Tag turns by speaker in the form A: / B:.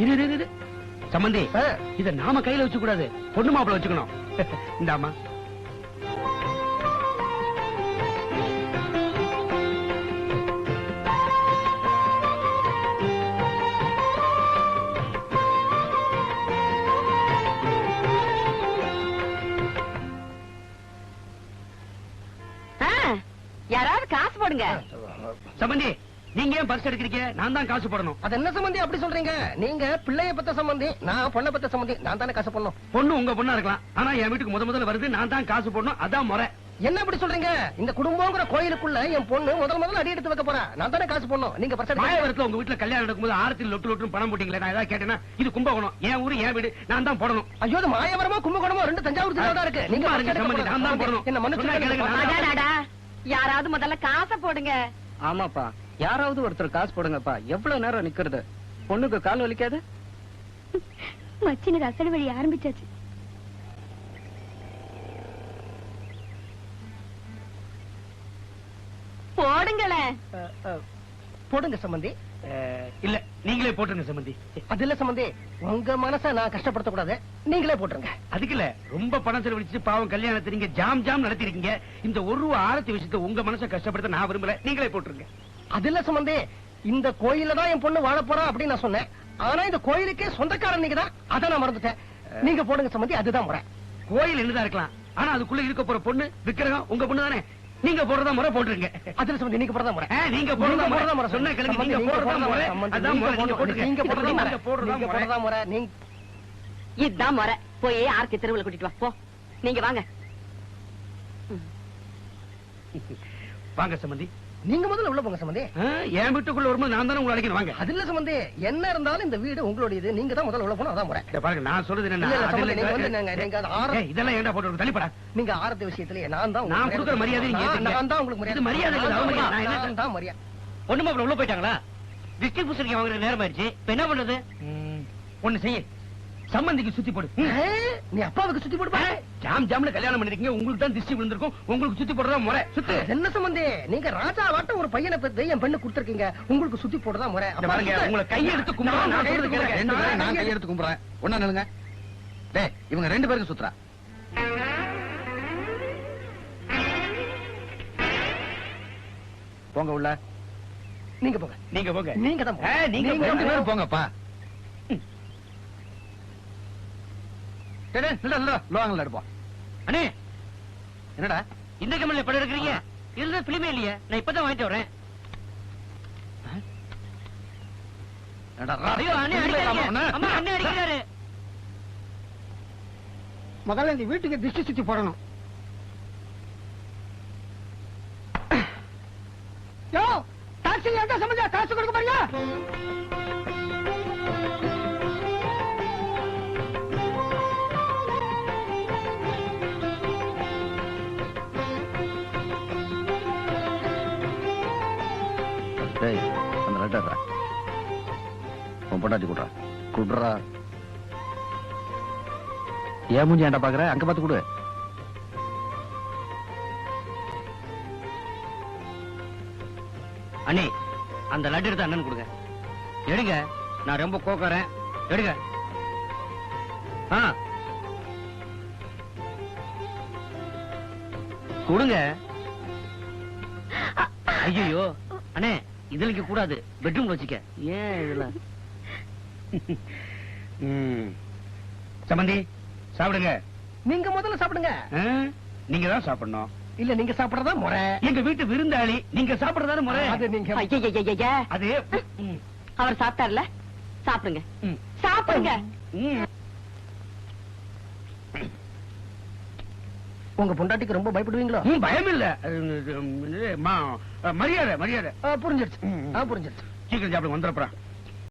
A: இரு சம்பந்தி, இத நாம கையில வச்சு கூடாது, பொண்ணு மாப்பிள்ள வச்சுக்கணும். இந்தாமா.
B: யாராவது காசு போடுங்க.
A: சம்பந்தி, நீங்க ஏன் பர்ஸ் எடுக்கிறீங்க? நான் தான் காசு போடணும்.
C: அது என்ன சம்பந்தி அப்படி சொல்றீங்க? நீங்க பிள்ளைய பத்த சம்பந்தி, நான் பொண்ணை பத்த சம்பந்தி. நான் தானே காசு போடணும்.
A: பொண்ணு உங்க பொண்ணா இருக்கலாம், ஆனா என் வீட்டுக்கு முதல்ல வருது, நான் தான் காசு போடணும். அதான் முறை.
C: என்ன அப்படி சொல்றீங்க? இந்த குடும்பங்கிற கோயிலுக்குள்ள என் பொண்ணு முதல்ல அடி எடுத்து வைக்க போறா. நான் தானே காசு போடணும். நீங்க பர்ஸ்
A: மாயவரத்துல உங்க வீட்டுல கல்யாணம் நடக்கும்போது ஆரத்தில் லொட்டு பணம் போட்டீங்களே, நான் ஏதாவது கேட்டேன்னா இது கும்பகோணம், என் ஊரு என் வீடு, நான் தான் போடணும்.
C: ஐயோ, அது மாயவரமோ கும்பகோணமோ ரெண்டு தஞ்சாவூர் தான் இருக்கு. நீங்க
A: சம்பந்தி, நான் தான் போடணும்.
C: என்ன மனுஷன்?
B: யாராவது முதல்ல காசை போடுங்க.
D: ஆமாப்பா, யாராவது ஒருத்தர் காசு போடுங்கப்பா. எவ்வளவு நேரம் நிக்கிறது? பொண்ணுக்கு கால் வலிக்காது?
E: மச்சினர் அசடு வழி ஆரம்பிச்சாச்சு.
B: போடுங்களேன்.
C: போடுங்க சம்பந்தி.
A: இல்ல, நீங்களே போட்டுருங்க சம்பந்தி.
C: அது இல்ல சம்பந்தி, உங்க மனச நான் கஷ்டப்படுத்த கூடாது, நீங்களே போட்டுருங்க.
A: அதுக்கு இல்ல, ரொம்ப பணம் செலவழிச்சு பாவம் கல்யாணத்தை நீங்க ஜாம் நடத்திருக்கீங்க. இந்த ஒரு ரூபா ஆரத்தி விஷயத்தை உங்க மனசை கஷ்டப்படுத்த நான் விரும்பல, நீங்களே போட்டுருங்க.
C: அது இல்ல சம்பந்தி, இந்த கோயில தான் என் பொண்ணு வாழ போறா அப்படின்னு நான் சொன்னேன். ஆனா இந்த கோயிலுக்கே சொந்தக்காரன் நீங்க தான், அதை நான் மறந்துட்டேன். நீங்க போடுங்க சம்பந்தி, அதுதான் முறை.
A: கோயில் என்னதான் இருக்கலாம், ஆனா அதுக்குள்ள இருக்க போற பொண்ணு விக்கிரகம் உங்க பொண்ணு தானே. நீங்க போடுறதா முறை போட்டுருங்க.
C: அதுல சம்பந்தி, நீங்க போடுறதா முறை.
A: நீங்க போடுறதா முறை சொன்ன கிழங்கு, நீங்க போடுறதா முறை. அதான் முறை, நீங்க போட்டுருங்க.
C: நீங்க போடுறதா முறை. நீங்க
B: இதுதான் முறை. போய் ஆர்த்தி தெருவில் கூட்டிட்டு வா. போ, நீங்க வாங்க.
A: வாங்க சம்பந்தி.
C: நீங்க முதல்ல உள்ள போங்க சம்பந்தி.
A: என் வீட்டுக்குள்ள வரும்போது நான் தானே உங்களை அழைக்கணும். வாங்க.
C: அது இல்ல சம்பந்தி, என்ன இருந்தாலும் இந்த வீடு உங்களுடையது, நீங்க தான் முதல்ல உள்ள போகணும். அதான் முறை.
A: பாருங்க, நான் சொல்றது
C: இல்ல, இல்ல சம்பந்தி, நீங்க வந்து
A: இதெல்லாம் ஏண்டா போட்டு தள்ளிப்படா.
C: நீங்க ஆரத்தி விஷயத்திலே நான் தான்
A: நான் கொடுக்குற மரியாதை
C: நான் தான் உங்களுக்கு
A: இது மரியாதை இல்ல,
C: நான் தான் மரியாதை.
A: பொண்ணு மாப்பிள்ள உள்ள போயிட்டாங்களா? டிஸ்ட்ரிபியூஷனுக்கு வாங்குற நேரம் ஆயிடுச்சு. இப்ப என்ன பண்றது? ஒண்ணு செய்ய, சம்பந்திக்கு சுத்தி போடு.
C: நீ அப்பாவுக்கு சுத்தி போடுப்பா.
A: ஜாம்ல கல்யாணம் பண்ணிருக்கீங்க, உங்களுக்கு தான் திருஷ்டி விழுந்திருக்கும், உங்களுக்கு சுத்தி போடுறதா முறை. சுத்து.
C: என்ன சம்பந்தி, நீங்க ராஜா வாட்ட ஒரு பையனை பெற்று என் பெண்ணு கொடுத்திருக்கீங்க, உங்களுக்கு சுத்தி போடுறதா முறை.
A: பாருங்க, உங்களை கையெடுத்து கும்பிடுறேன். நான் சொல்றது கேளுங்க.
F: ரெண்டு பேரும் நான் கையெடுத்து கும்பிடுறேன். ஒண்ணா நில்லுங்க. டேய், இவங்க ரெண்டு பேருக்கு சுத்துறா. போங்க உள்ள.
C: நீங்க போங்க.
A: நீங்க போங்க.
C: நீங்க தான் போங்க.
A: நீங்க
F: ரெண்டு பேரும் போங்கப்பா. லோகங்கள் எடுப்போம்.
A: அண்ணே,
F: என்னடா
A: இந்த கம்பெனில படம் எடுக்கிறீங்க? இதுல பிலிமே இல்லையா? நான் இப்பதான் வாங்கிட்டு வரேன். ஐயோ, அண்ணே அடிக்காதீங்க. அம்மா, அண்ணே அடிக்கிறாரு.
C: முதல்ல இந்த வீட்டுக்கு திருஷ்டி சுத்தி போடணும். யோ, டாக்ஸி எங்க சம்பந்தா? காசு கொடுக்க பாருங்க.
F: அந்த லெட்டர் உன் பொண்டாட்டி கூடுறா. கூடுறா. ஏன் மூஞ்சி ஏன்டா பாக்குற? அங்க பார்த்து கொடு.
A: அண்ணே, அந்த லட்டு எடுத்து அண்ணன் கொடுங்க. எடுங்க, நான் ரொம்ப கோக்கறேன். எடுங்க. கொடுங்க. ஐயோ அண்ணே, இதுல இங்க கூடாது, பெட்ரூம்ல வச்சுக்க. ஏன் இதுல? சம்பந்தி, சாப்பிடுங்க.
C: நீங்க முதல்ல சாப்பிடுங்க.
A: நீங்க தான் சாப்பிடணும்.
C: இல்ல, நீங்க சாப்பிடறதா முறை.
A: எங்க வீட்டு விருந்தாளி, நீங்க சாப்பிடறதா முறை.
C: அது நீங்க
B: அது அவர் சாப்பிட்டார்ல, சாப்பிடுங்க. சாப்பிடுங்க.
C: உங்க பொண்டாட்டிக்கு ரொம்ப பயப்படுவீங்களோ?
A: பயம் இல்ல, மரியாதை.
C: புரிஞ்சிருச்சு. புரிஞ்சிருச்சு.
A: சீக்கிரம் சாப்பிடுங்க, வந்துடுறா.